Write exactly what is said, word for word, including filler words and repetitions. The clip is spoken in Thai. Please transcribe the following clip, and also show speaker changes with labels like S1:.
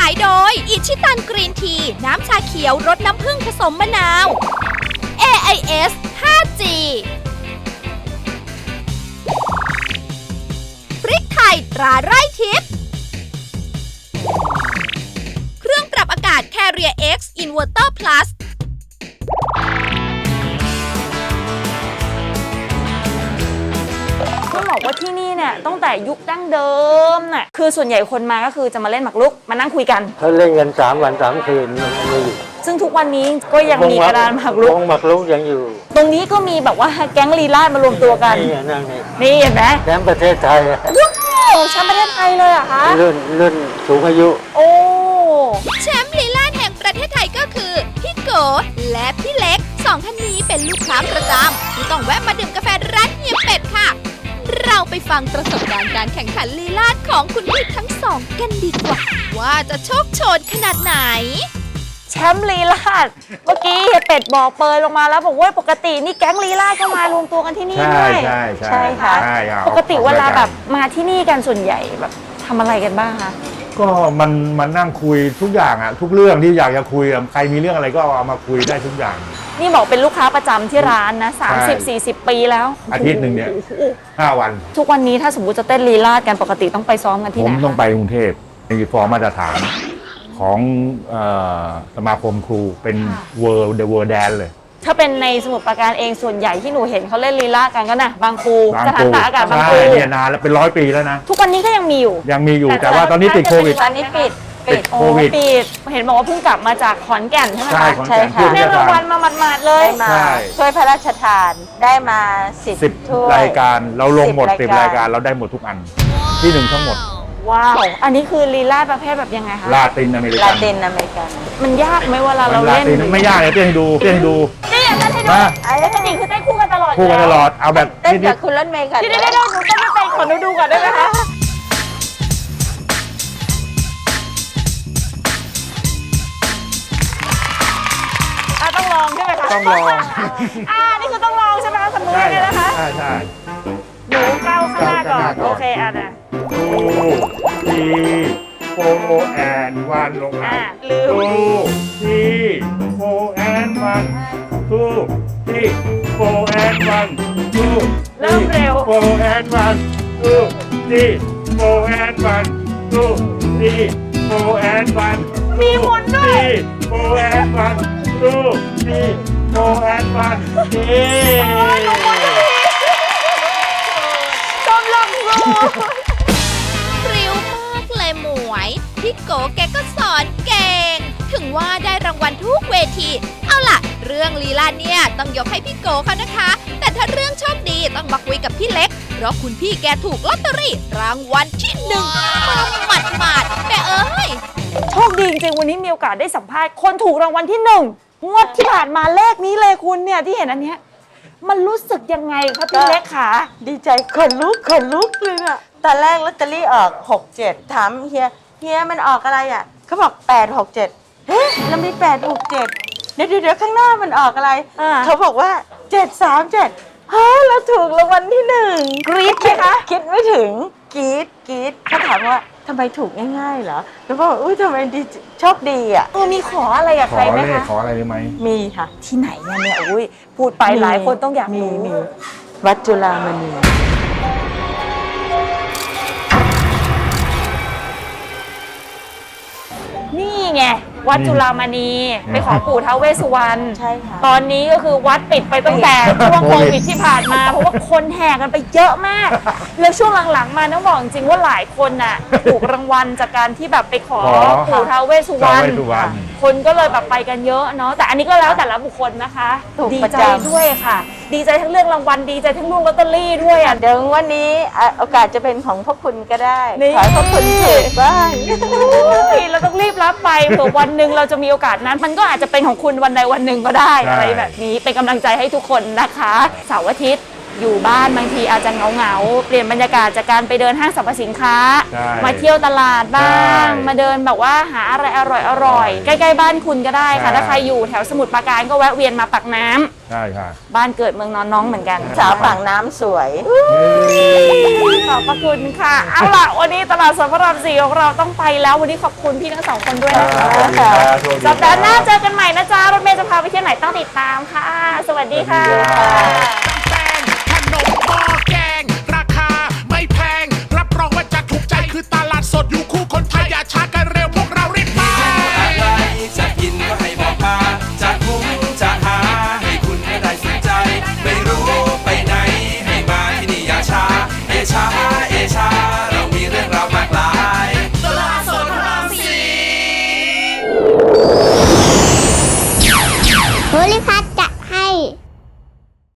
S1: ายโดยอิชิตันกรีนทีน้ำชาเขียวรสน้ำผึ้งผสมมะนาว เอ ไอ เอส ไฟว์จี พริกไทยตราไร่ทิพย์เครื่องปรับอากาศ Carrier X Inverter Plus
S2: ต้องบอกว่าที่นี่เนี่ยตั้งแต่ยุคดั้งเดิมน่ะคือส่วนใหญ่คนมาก็คือจะมาเล่นหมากรุกมานั่งคุยกัน
S3: เขาเล่นกันสามวันสามคืนมันมีอยู่
S2: ซึ่งทุกวันนี้ก็ยังมีกระดานหมากรุก
S3: วงหมากรุกยังอยู่
S2: ตรงนี้ก็มีแบบว่าแก๊งลีลาดมารวมตัวกัน
S3: นี่นั่งนี่
S2: นี่เห็นไหม
S3: แชมป์ประเทศไทย
S2: ว้าวแชมป์ประเทศไทยเลยเหรอคะ
S3: รุ่นรุ่นสูงอายุ
S2: โอ้
S1: แชมป์ลีลาดแห่งประเทศไทยก็คือพี่โกและพี่เล็กสองท่านนี้เป็นลูกค้าประจำที่ต้องแวะมาดื่มกาแฟร้านเฮียเป็ดค่ะเราไปฟังประสบการณ์การแข่งขันลีลาดของคุณพี่ทั้งสองกันดีกว่าว่าจะโชคโชนขนาดไหน
S2: แชมป์ลีลาดเมื่อกี้เฮียเป็ดบอกเปยลงมาแล้วบอกว่าปกตินี่แก๊งลีลาดก็มารวมตัวกันที่นี่ด้วย
S4: ใช่ใช่
S2: ใช่ค่ะปกติเวลาแบบมาที่นี่กันส่วนใหญ่แบบทำอะไรกันบ้างคะ
S4: ก็มันมันนั่งคุยทุกอย่างอะทุกเรื่องที่อยากจะคุยใครมีเรื่องอะไรก็เอามาคุยได้ทุกอย่าง
S2: นี่บอกเป็นลูกค้าประจำที่ร้านนะสามสิบ สี่สิบปีแล้ว
S4: อาทิตย์หนึ่งเนี่ยห้าวัน
S2: ทุกวันนี้ถ้าสมมุติจะเต้นลีลาดกันปกติต้องไปซ้อมกันที่ไหน
S4: ผมต้องไปกรุงเทพมีฟอร์มมาตรฐานของสมาคมครูเป็น World The World Dance เลย
S2: ถ้าเป็นในสมุทรปราการเองส่วนใหญ่ที่หนูเห็นเขาเล่นลีลากันก็นะบางครูสถานตากอากาศบางครู
S4: เนี่ยนานแล้วเป็นร้อยปีแล้วนะ
S2: ทุกวันนี้ก็ยังมีอยู่
S4: ยังมีอยู่แต่ว่าตอนนี้ติดโควิด
S2: ตอนนี้ปิดปิดโควิดปิดเห็นบอกว่าเพิ่งกลับมาจากขอนแก่นใช่ไหมคะ
S4: ใช่ค่ะ
S2: ได้รางวัลมาหมาดๆเลย
S5: มาช่วยพระราชทานได้มาสิบ
S4: รายการเราลงหมดสิบรายการเราได้หมดทุกอันที่หนึ่งทั้งหมด
S2: ว้าวอันนี้คือลีลาประเภทแบบยังไงคะ
S4: ลาตินอเมริกัน
S5: ลาตินอเมริกัน
S2: มันยากไหมเวลาเราเล่น
S4: ไม่ยากเลยเต้นดูเต้นดู
S2: นี่เต้นให้ดูแล้วก็นี่คือเต้นคู่กันตลอด
S4: คู่กันตลอดเอาแบบ
S5: เต้นกับคุณรถเมย์กัน
S2: นี่ได้ได้หนูเต้นไม่เป็นขอหนูดูก่อนได้ไหมคะต้องลองใช่ไหมคะ
S4: ต้องลอง
S2: อ่านี่คือต้องลองใช่ไหมคะสมมติเลยนะคะ
S4: ใช่ใช่
S2: หนูก้าวข้างหน้าก่อนโอเคอ่ะนะ
S4: ทูทีโฟแอนวันลงมา
S2: ลืม
S4: ทูทีโฟแอนวันทูทีโฟแอนวันทู
S2: เริ่มเร็ว
S4: โฟแอนวันทูทีโฟแอนวันทูทีโฟแอนวัน
S2: มีหมุนด้วย
S4: โฟแอนวันทูทีโฟแอนวันนี่
S2: ชมลำลู
S1: พริ้วมากเลยหมวยพี่โกแกก็สอนเก่งถึงว่าได้รางวัลทุกเวทีเอาล่ะเรื่องลีลาเนี่ยต้องยกให้พี่โกเขานะคะแต่ถ้าเรื่องโชคดีต้องมาคุยกับพี่เล็กเพราะคุณพี่แกถูกลอตเตอรี่รางวัลที่หนึ่งมาหมัดหมัดแต่เอ้ย
S2: โชคดีจริงๆวันนี้มีโอกาสได้สัมภาษณ์คนถูกรางวัลที่หนึ่งงวดที่ผ่านมาเลขนี้เลยคุณเนี่ยที่เห็นอันเนี้ยมันรู้สึกยังไงครับพี่เล็กขา
S5: ดีใจขนลุกขนลุกเลยอะตอนแรกลอตเตอรี่ออกหกเจ็ดถามเฮียเฮียมันออกอะไรอ่ะเขาบอกแปดหกเจ็ดเฮ้ยเรามีแปดหกเจ็ดเดี๋ยวเดี๋ยวข้างหน้ามันออกอะไรเขาบอกว่าเจ็ดสามเจ็ดเฮ้ยเราถูกรางวัลที่หนึ่ง
S2: กรี๊ดไหมคะ
S5: คิดไม่ถึงกรี๊ดกรี๊ดเขาถามว่าทำไมถูกง่ายๆเหรอแล้วบอกอุ้ยทำไมดีโชคดีอ่ะ
S2: เออมีขออะไรกับใครไหมคะ
S4: ขออะไรไหม
S5: มีค่ะ
S2: ที่ไหนเนี่ยอุ้ยพูดไปหลายคนต้องอยาก
S5: มีมีวัดจุฬามณี
S2: นี่ไงวัดจุฬามณีไปขอปู่ท้าวเวสสุวรรณ
S5: ใช่ค่ะ
S2: ตอนนี้ก็คือวัดปิดไปตั้งแต่ช่วงโควิดที่ผ่านมาเพราะว่าคนแห่กันไปเยอะมากแล้วช่วงหลังๆมาต้องบอกจริงว่าหลายคนน่ะถูกรางวัลจากการที่แบบไปขอปู่ท้าวเวสสุวรรณคนก็เลยแบบไปกันเยอะเนาะแต่อันนี้ก็แล้วแต่ละบุคคลนะคะดีใจด้วยค่ะดีใจทั้งเรื่องรางวัลดีใจทั้งเรื่องลอตเตอรี่ด้วยอ่ะ
S5: เดี๋ยววันนี้โอกาสจะเป็นของพวกคุณก็ได้ขอพวกคุณถูกบ้าง
S2: เราต้องรีบรับไปเผื่อวันหนึ่งเราจะมีโอกาสนั้นมันก็อาจจะเป็นของคุณวันใดวันหนึ่งก็ได้อะไรแบบนี้เป็นกำลังใจให้ทุกคนนะคะเสาร์อาทิตย์อยู่บ้านบางทีอาจจะเหงาๆเปลี่ยนบรรยากาศจากการไปเดินห้างสรรพสินค้า
S4: ใช่
S2: มาเที่ยวตลาดบ้าง
S4: ใช่
S2: มาเดินแบบว่าหาอะไรอร่อยๆใกล้ๆบ้านคุณก็ได้ค่ะ
S4: ใช่
S2: ถ้าใครอยู่แถวสมุทรปราการก็แวะเวียนมาปากน้ำ
S4: ใช่ค่ะ
S2: บ้านเกิดเมืองนอนน้องเหมือนกัน
S5: สาวปากน้ำสวย
S2: ขอบพระคุณค่ะ เอาล่ะ วันนี้ตลาดสดพระรามสี่ของเราต้องไปแล้ว วันนี้ขอบคุณพี่ทั้งสองคนด้วยนะคะ
S4: สวัสดีครับสวัสดีครับ
S2: สัปดาห์หน้าเจอกันใหม่นะจ๊ะ รถเมล์จะพาไปเที่ยวไหนต้องติดตามค่ะ สวัสดีค่ะ
S4: สวัสดีครับ